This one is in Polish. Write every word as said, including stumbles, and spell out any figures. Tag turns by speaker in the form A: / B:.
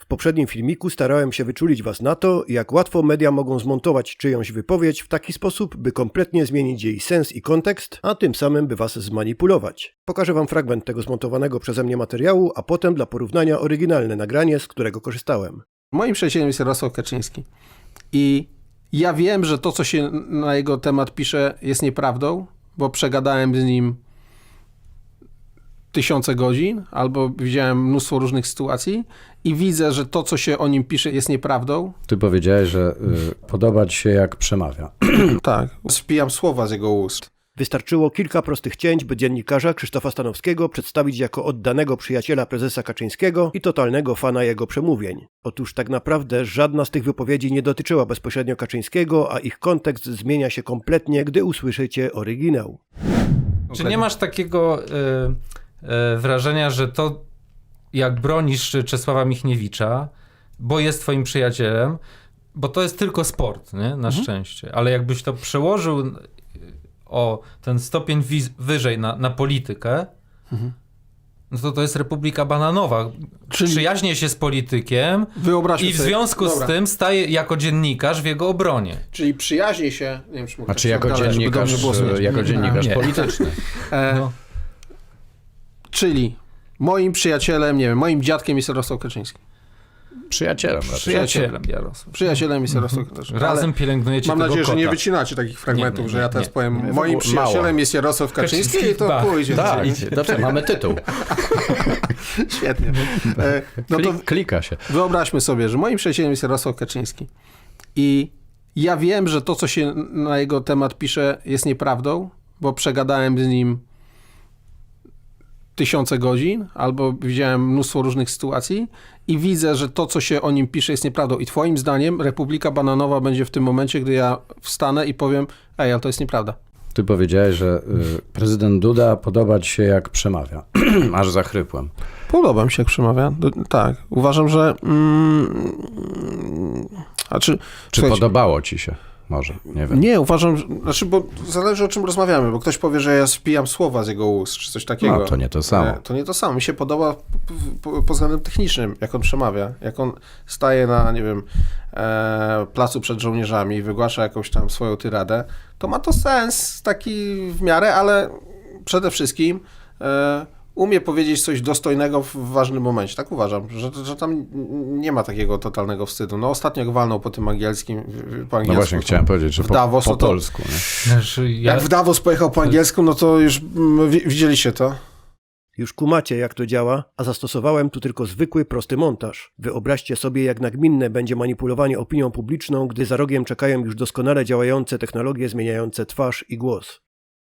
A: poprzednim filmiku starałem się wyczulić Was na to, jak łatwo media mogą zmontować czyjąś wypowiedź w taki sposób, by kompletnie zmienić jej sens i kontekst, a tym samym by Was zmanipulować. Pokażę Wam fragment tego zmontowanego przeze mnie materiału, a potem dla porównania oryginalne nagranie, z którego korzystałem.
B: Moim przyjacielem jest Jarosław Kaczyński i ja wiem, że to, co się na jego temat pisze, jest nieprawdą, bo przegadałem z nim tysiące godzin, albo widziałem mnóstwo różnych sytuacji i widzę, że to, co się o nim pisze, jest nieprawdą.
C: Ty powiedziałeś, że y, podoba ci się, jak przemawia.
B: Tak, spijam słowa z jego ust.
A: Wystarczyło kilka prostych cięć, by dziennikarza Krzysztofa Stanowskiego przedstawić jako oddanego przyjaciela prezesa Kaczyńskiego i totalnego fana jego przemówień. Otóż tak naprawdę żadna z tych wypowiedzi nie dotyczyła bezpośrednio Kaczyńskiego, a ich kontekst zmienia się kompletnie, gdy usłyszycie oryginał.
D: Czy nie masz takiego y, y, wrażenia, że to, jak bronisz Czesława Michniewicza, bo jest twoim przyjacielem, bo to jest tylko sport, nie? Na mhm. szczęście, ale jakbyś to przełożył o ten stopień wiz- wyżej na, na politykę, mhm. no to to jest Republika Bananowa. Czyli przyjaźnie się z politykiem i w
B: sobie,
D: związku
B: dobra.
D: z tym staje jako dziennikarz w jego obronie.
B: Czyli przyjaźnie się... Nie wiem, czy
C: A czy jako dalej, dziennikarz, jako dziennikarz
B: nie.
C: polityczny?
B: E,
D: no.
B: Czyli moim przyjacielem, nie wiem, moim dziadkiem jest Jarosław Kaczyński.
C: Przyjacielem.
D: Przyjacielem Jarosław.
B: Przyjacielem jest Jarosław Kaczyński.
D: Razem pielęgnujecie
B: Mam
D: tego
B: nadzieję,
D: kota.
B: że nie wycinacie takich fragmentów,
D: nie, nie,
B: że ja teraz
D: nie.
B: powiem,
C: Nie,
B: moim przyjacielem
C: mało.
B: jest Jarosław Kaczyński,
D: Kaczyński
B: i to
D: Bach.
B: pójdzie.
C: Tak, dobrze, mamy tytuł.
B: Świetnie. E, no to
C: Klik, klika się.
B: wyobraźmy sobie, że moim przyjacielem jest Jarosław Kaczyński i ja wiem, że to, co się na jego temat pisze, jest nieprawdą, bo przegadałem z nim tysiące godzin, albo widziałem mnóstwo różnych sytuacji i widzę, że to, co się o nim pisze, jest nieprawdą. I twoim zdaniem Republika Bananowa będzie w tym momencie, gdy ja wstanę i powiem, ej, ale to jest nieprawda.
C: Ty powiedziałeś, że y, prezydent Duda podoba ci się, jak przemawia. Aż zachrypłem.
B: Podoba mi się, jak przemawia. Do, tak. Uważam, że... Mm, a czy
C: Czy podobało ci się? Może, nie wiem.
B: Nie, uważam, że, znaczy, bo zależy, o czym rozmawiamy, bo ktoś powie, że ja spijam słowa z jego ust, czy coś takiego.
C: No, to nie to samo.
B: To nie to samo. Mi się podoba pod względem technicznym, jak on przemawia, jak on staje na, nie wiem, e, placu przed żołnierzami i wygłasza jakąś tam swoją tyradę, to ma to sens taki w miarę, ale przede wszystkim e, umie powiedzieć coś dostojnego w ważnym momencie. Tak uważam, że, że tam nie ma takiego totalnego wstydu. No ostatnio jak walnął po tym angielskim, po angielsku.
C: No właśnie,
B: to,
C: chciałem powiedzieć, że
B: w
C: po,
B: Davos,
C: po
B: to,
C: polsku. Nie?
D: Znaczy, ja...
B: Jak w Davos pojechał po angielsku, no to już mm, widzieliście to.
A: Już kumacie, jak to działa, a zastosowałem tu tylko zwykły, prosty montaż. Wyobraźcie sobie, jak nagminne będzie manipulowanie opinią publiczną, gdy za rogiem czekają już doskonale działające technologie zmieniające twarz i głos.